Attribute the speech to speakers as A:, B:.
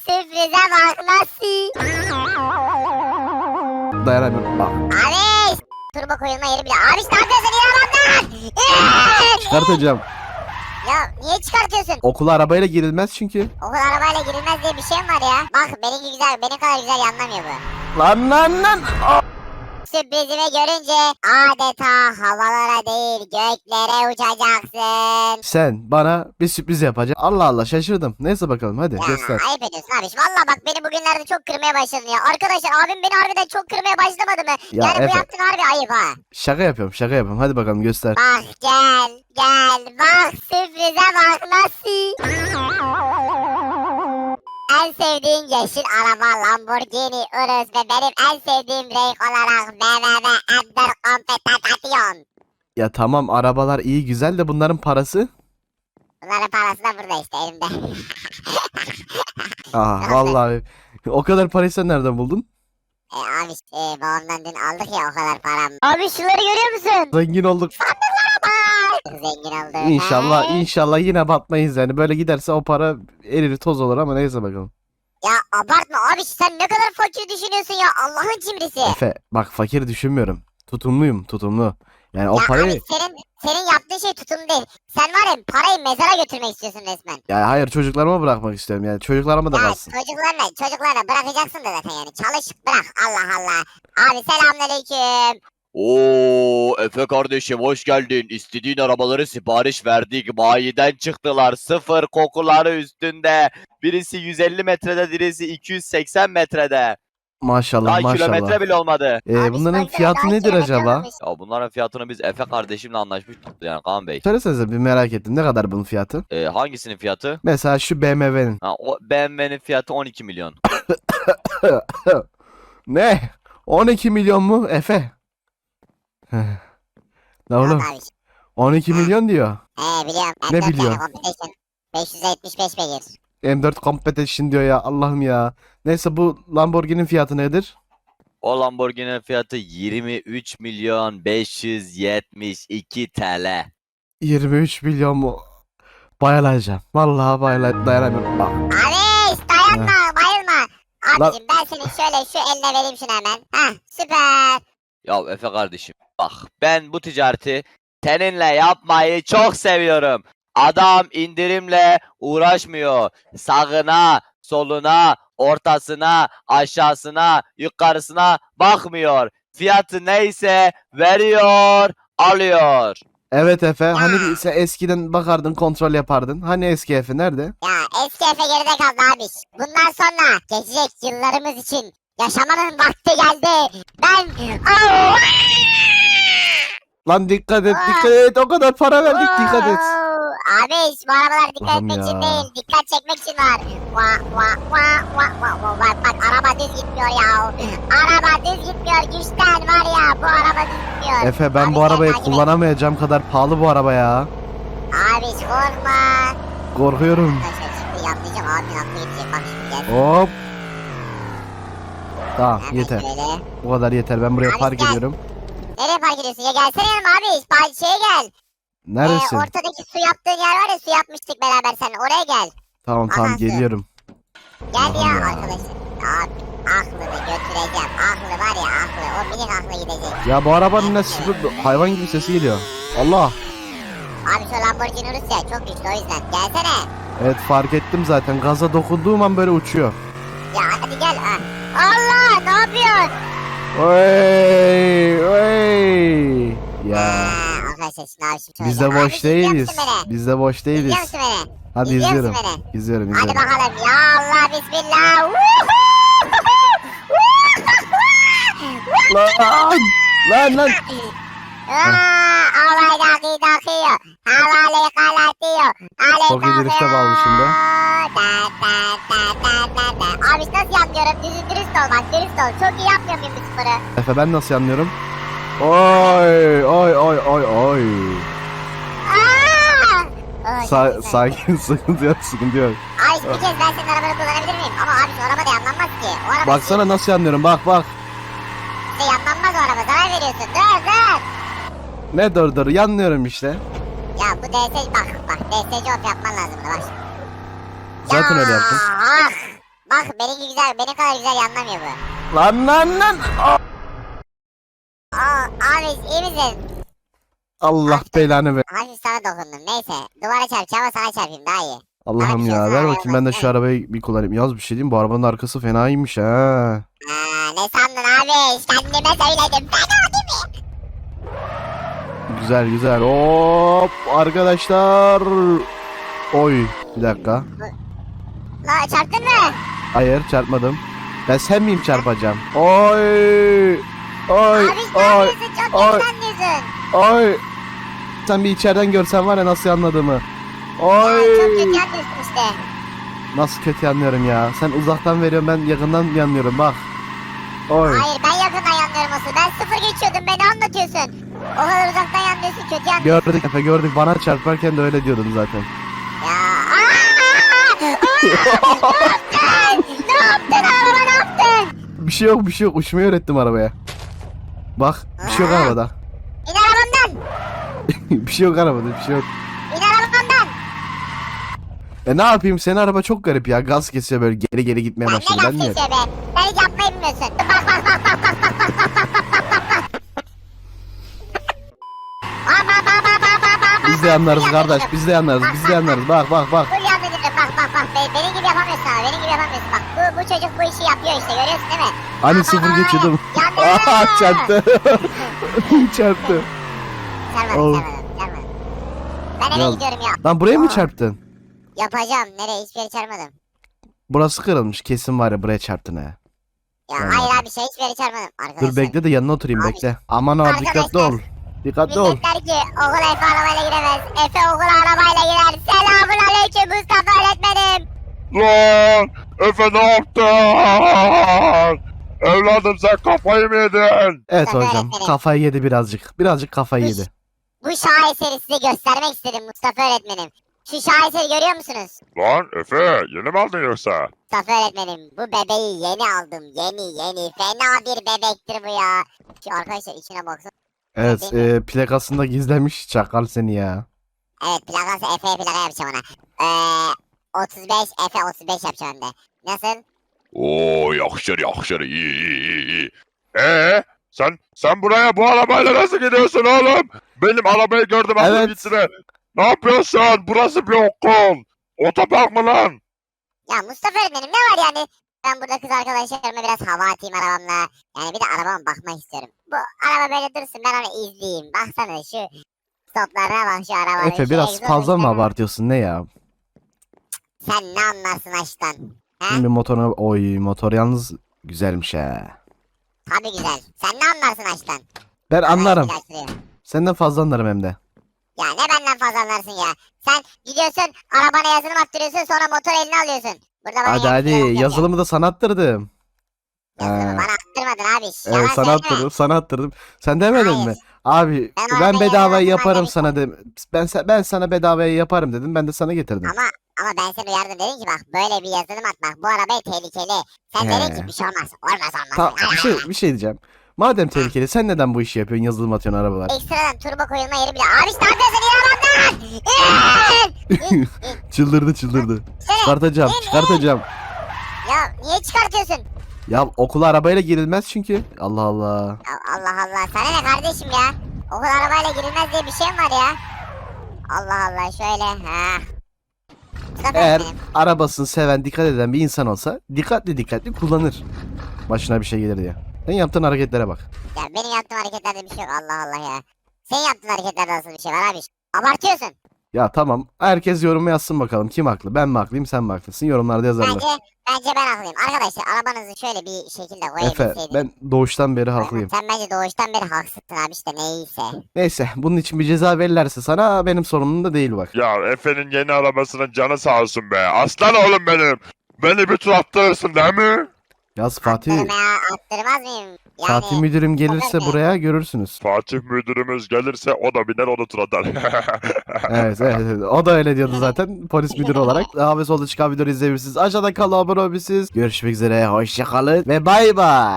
A: sürprize bak nasıl.
B: Dayanamıyorum. Bak.
A: Abi turbo koyulma yeri bile. Abi ne yapıyorsun İnanamdan?
B: Çıkartacağım.
A: Ya niye çıkartıyorsun?
B: Okula arabayla girilmez çünkü.
A: Okul arabayla girilmez diye bir şey mi var ya? Bak benimki güzel, benim kadar güzel yanlamıyor bu.
B: Lan.
A: Sürprizimi görünce adeta havalara değil göklere uçacaksın.
B: Sen bana bir sürpriz yapacaksın. Allah Allah şaşırdım. Neyse bakalım hadi
A: Ya
B: göster.
A: ayıp ediyorsun abi. Valla bak beni bugünlerde çok kırmaya başladın ya. Arkadaşlar abim beni harbiden çok kırmaya başlamadı mı?
B: Ya
A: Yani
B: Efe.
A: bu yaptığın harbi ayıp ha.
B: Şaka yapıyorum. Hadi bakalım göster.
A: Bak gel bak sürprize bak nasıl. En sevdiğin yeşil araba Lamborghini Urus ve benim en sevdiğim renk olarak BMW Ender Competition.
B: Ya tamam arabalar iyi güzel de bunların parası.
A: Bunların parası da burada işte elimde.
B: Aa vallahi o kadar parayı sen nereden buldun?
A: Abi babamdan dün aldık ya o kadar param. Abi şunları görüyor musun?
B: Zengin olduk.
A: Zengin olduk.
B: İnşallah yine batmayız yani. Böyle giderse o para erir toz olur ama neyse bakalım.
A: Ya abartma abi sen ne kadar fakir düşünüyorsun ya Allah'ın cimrisi.
B: Efe bak fakir düşünmüyorum. Tutumlu. Yani o
A: Ya
B: parayı...
A: abi senin yaptığın şey tutum değil. Sen var ya parayı mezara götürmek istiyorsun resmen.
B: Ya hayır çocuklarıma bırakmak istiyorum yani. Çocuklarıma da
A: Ya
B: kalsın.
A: çocuklarına bırakacaksın da zaten yani. Çalış bırak Allah Allah. Abi selamünaleyküm.
C: Oo Efe kardeşim hoş geldin. İstediğin arabaları sipariş verdik. Bayiden çıktılar. Sıfır kokuları üstünde. Birisi 150 metrede, birisi 280 metrede.
B: Maşallah
C: Daha kilometre
B: maşallah.
C: bile olmadı.
A: Abi
B: Bunların
A: işte
B: fiyatı
A: daha
B: nedir
A: kilometre
B: acaba?
A: olmamış.
C: Ya bunların fiyatını biz Efe kardeşimle anlaşmıştık yani Kaan Bey.
B: Söylesenize bir merak ettim. Ne kadar bunun fiyatı?
C: Hangisinin fiyatı?
B: Mesela şu BMW'nin.
C: Ha, o BMW'nin fiyatı 12 milyon.
B: Ne? 12 milyon mu Efe? Ne oğlum?
A: Abi.
B: 12 milyon diyor.
A: Biliyorum.
B: Ne
A: M4
B: biliyor?
A: yani Competition. 575 beygir.
B: M4 Competition diyor ya Allah'ım ya. Neyse bu Lamborghini'nin fiyatı nedir?
C: O Lamborghini'nin fiyatı 23 milyon 572 TL.
B: 23 milyon mu? Bayılacağım. Vallahi dayanamıyorum. Bak.
A: Abi dayanma bayılma. Abicim ben senin şöyle şu eline vereyim şunu hemen. Heh süper.
C: Ya Efe kardeşim bak ben bu ticareti seninle yapmayı çok seviyorum. Adam indirimle uğraşmıyor. Sağına, soluna, ortasına, aşağısına, yukarısına bakmıyor. Fiyatı neyse veriyor, alıyor.
B: Evet Efe. Hani sen eskiden bakardın kontrol yapardın. Hani eski Efe nerede?
A: Ya eski Efe geride kaldı abi. Bundan sonra geçecek yıllarımız için yaşamanın vakti geldi. Ben... Oh!
B: Lan dikkat et. O kadar para verdik dikkat et.
A: Abi bu arabalar dikkat
B: Allah'ım
A: etmek için
B: ya.
A: değil, dikkat çekmek için var. Bak araba düz gitmiyor ya. Araba düz gitmiyor, güçten var ya bu araba düz gitmiyor.
B: Efe ben
A: Abi
B: bu
A: sen
B: arabayı
A: takip et.
B: kullanamayacağım kadar pahalı bu araba ya.
A: Abi korkma.
B: Korkuyorum.
A: Arkadaşlar şimdi yanlayacağım abimin aklı gidecek bak şimdi gel.
B: Hop. Tamam
A: Hemen
B: yeter.
A: şöyle.
B: Bu kadar yeter. Ben buraya
A: Abi
B: park
A: gel.
B: ediyorum.
A: Nereye park ediyorsun ya gelsene yanıma abi. Şeye gel.
B: Neredesin?
A: Ortadaki su yaptığın yer var ya su yapmıştık beraber seninle oraya gel.
B: Tamam
A: Asansör.
B: geliyorum.
A: Gel
B: Allah'ım
A: ya
B: ya.
A: arkadaşlar. Abi aklını götüreceğim. Aklı var ya aklı. O minik aklı gidecek.
B: Ya bu arabanın ne hayvan gibi sesi geliyor. Allah.
A: Abi şu Lamborghini Urus ya çok güçlü o yüzden. Gelsene.
B: Evet fark ettim zaten. Gaza dokunduğum an böyle uçuyor.
A: Ya hadi gel. Ha. Allah ne yapıyorsun?
B: Oy. Ya.
A: Arkadaşlar şimdi abi şimdi
B: Biz de
A: söyleyeceğim.
B: boş
A: Abi, izliyor
B: değiliz.
A: musun beni?
B: Biz de boş değiliz.
A: İzliyor musun beni?
B: Hadi
A: İzliyor
B: izliyorum.
A: musun beni?
B: İzliyorum.
A: Hadi bakalım ya Allah bismillah.
B: Lan.
A: Alay daki dakiyor. Havale kalatıyor.
B: Çok iyi drift'e bağlı şimdi.
A: Abi nasıl yapıyorum? Dürüst ol bak dürüst ol. Çok iyi yapmıyor muyum bu sporu?
B: Efe ben nasıl anlıyorum? Oy. Sakin sıkıntı yok.
A: Abi bir kez ben senin arabanı kullanabilir miyim? Ama abi şu araba da yanlanmaz ki. O araba
B: Baksana nasıl anlıyorum bak.
A: işte yanlanmaz o araba zarar veriyorsun. Dur.
B: Ne dur yanlıyorum işte.
A: Ya bu DS bak DSC op yapman lazım bak.
B: Zaten öyle yaptım.
A: Ah Bak benimki güzel. Benim kadar güzel yanlamıyor bu.
B: Lan.
A: Abi iyi misin?
B: Allah belanı ver.
A: Hafif sana dokundum. Neyse. Duvara çarpacağım ama sana çarpayım daha iyi.
B: Allah'ım
A: Abi,
B: ya
A: sana
B: ver
A: araba
B: bakayım ben de şu
A: bakayım.
B: arabayı bir kullanayım. Yaz bir şey diyeyim bu arabanın arkası fenaymış ha.
A: Ne sandın abi? Kendime söyledim. Fena değil mi?
B: Güzel. Hop arkadaşlar. Oy bir dakika.
A: La çarptın mı?
B: Hayır çarpmadım. Ben sen miyim çarpacağım? Oy. Oy.
A: Abi ne
B: Oy.
A: yapıyorsun? Çok
B: Oy.
A: kötü anlıyorsun.
B: Oy. Sen bir içeriden görsen var ya nasıl anladığımı.
A: Ya, çok kötü
B: Oy.
A: anlıyorsun işte.
B: Nasıl kötü anlıyorum ya. Sen uzaktan veriyorsun ben yakından yanlıyorum bak. Oy.
A: Hayır ben yakından yanlıyorum asıl. Ben sıfır geçiyordum. Beni anlatıyorsun. O kadar uzaktan yanlıyorsun. Kötü yanlıyorsun.
B: Gördük Efe gördük. Bana çarparken de öyle diyordun zaten.
A: Ya. Ne yaptın? Araba ne yaptın?
B: Bir şey yok. Uçmayı öğrettim arabaya. Bak bir şey yok
A: Aa.
B: arabada.
A: İn arabamdan.
B: Bir şey yok arabada bir şey yok.
A: İn arabamdan.
B: Ne yapayım senin araba çok garip ya. Gaz kesiyor böyle geri gitmeye
A: Ya ne
B: başladı. Ben niye?
A: gazetesi be? Sen hiç yapmayı bilmiyorsun. Bak.
B: Biz de yanlarız kardeş. Biz de yanlarız. Bak.
A: Full yan dedim. Bak. Benim gibi yapamıyorsun abi. Benim gibi yapamıyorsun. Bak bu çocuk bu işi yapıyor işte. Görüyorsun değil mi?
B: Hani sıfır geçiyordum.
A: Yandım.
B: Aha çarptı. Çarptı.
A: Çarpmadım. Ben eve
B: Ya-
A: gidiyorum ya.
B: Lan buraya mı
A: Aa.
B: çarptın?
A: Yapacağım. Nereye? Hiçbir yere çarpmadım.
B: Burası kırılmış. Kesin var ya buraya çarptın ha.
A: Ya
B: Anladım.
A: hayır abi hiçbir yere çarpmadım. Arkadaşlar.
B: Dur bekle de yanına oturayım
A: Abi.
B: bekle. Aman abi dikkatli
A: Arkadaşlar.
B: ol. Dikkatli ol.
A: Millet der ki okula Efe arabayla giremez. Efe okula arabayla girer. Selamun aleyküm Mustafa öğretmenim.
D: Lan Efe ne yaptın? Evladım sen kafayı mı yedin?
B: Evet
A: Mustafa
B: hocam
A: öğretmenim.
B: kafayı yedi birazcık. Birazcık kafayı yedi.
A: Bu şaheseri size göstermek istedim Mustafa öğretmenim. Şu şaheseri görüyor musunuz?
D: Lan Efe yeni mi aldın yoksa?
A: Mustafa öğretmenim bu bebeği yeni aldım. Yeni. Fena bir bebektir bu ya. Şu arkadaşlar içine baksana.
B: Evet plakasında gizlemiş çakal seni ya.
A: Evet plakası Efe'ye plaka yapacağım ona. 35 Efe 35 yapacağım hem de. Nasıl?
D: Oo yakışır iyi. Sen buraya bu arabayla nasıl gidiyorsun oğlum? Benim arabayı gördüm aldım
B: Evet.
D: gitsin. Ne yapıyorsun? Burası bir okul. Otopark mı lan?
A: Ya Mustafa öğretmenim ne var yani? Ben burada kız arkadaşlarıma biraz hava atayım arabamla. Yani bir de arabama bakmak istiyorum. Bu araba böyle dursun ben onu izleyeyim. Baksana şu stoplarına bak şu arabanın.
B: Efe
A: şu
B: biraz
A: egzoz
B: fazla mı
A: seslerine.
B: abartıyorsun ne ya?
A: Sen ne anlarsın aşktan? He?
B: Şimdi motoruna oy motor yalnız güzelmiş ha.
A: Tabii güzel. Sen ne anlarsın aşktan?
B: Ben
A: Bana
B: anlarım.
A: güzel sürüyor.
B: Senden fazla anlarım hem de.
A: Ya ne benden fazla anlarsın ya. Sen gidiyorsun arabana yazılım attırıyorsun sonra motor eline alıyorsun. Burada bana
B: Hadi
A: yaptırmadın.
B: yazılımı da sana attırdım.
A: Yazılımı
B: Ha.
A: bana attırmadın abi.
B: Evet
A: Yalan
B: sana
A: söyleme.
B: attırdım sana attırdım. Sen demedin
A: Hayır.
B: mi? Abi
A: Ben
B: ben
A: arabayı
B: bedavaya
A: yazılım
B: yaparım
A: halledim.
B: sana dedim. Ben sana bedavaya yaparım dedim. Ben de sana getirdim.
A: Ama ben seni uyardım dedim ki bak böyle bir yazılım atmak bu arabaya tehlikeli. Sen
B: He.
A: dedin ki bir şey olmaz. Olmaz.
B: Tamam bir şey diyeceğim. Madem tehlikeli sen neden bu işi yapıyorsun yazılım atıyorsun arabalar?
A: Ekstradan turbo koyulma yeri bile. Abi işte ne yapıyorsun İn arabamdan.
B: Çıldırdı. Çıkartacağım.
A: Ya niye çıkartıyorsun?
B: Ya okula arabayla girilmez çünkü. Allah Allah.
A: Allah. Sana ne kardeşim ya? Okul arabayla girilmez diye bir şey mi var ya? Allah şöyle. Ha. Mustafa
B: Eğer
A: öğretmenim.
B: arabasını seven dikkat eden bir insan olsa dikkatli kullanır. Başına bir şey gelir diye. Sen yaptığın hareketlere bak.
A: Ya benim yaptığım hareketlerde bir şey yok Allah ya. Senin yaptığın hareketlerde nasıl bir şey var abi? Abartıyorsun.
B: Ya tamam. Herkes yoruma yazsın bakalım. Kim haklı? Ben mi haklıyım sen mi haklısın? Yorumlarda yazarlar.
A: Bence ben haklıyım. Arkadaşlar arabanızı şöyle bir şekilde
B: Efe
A: koyabilseydiniz.
B: ben doğuştan beri haklıyım.
A: Sen bence doğuştan beri haksızsın abi işte neyse.
B: Neyse bunun için bir ceza verirlerse sana benim sorunum da değil bak.
D: Ya Efe'nin yeni arabasının canı sağ olsun be. Aslan oğlum benim. Beni bir tur attırırsın değil mi?
B: Yaz Fatih.
A: Attırmaz mıyım? Yani
B: Fatih müdürüm gelirse
A: Efendim?
B: buraya görürsünüz.
D: Fatih müdürümüz gelirse o da biner onu tur atar.
B: Evet. O da öyle diyordu zaten polis müdürü olarak. Daha ve solda çıkan videoları izleyebilirsiniz. Aşağıda kalın abone olabilirsiniz. Görüşmek üzere. Hoşçakalın ve bay bay.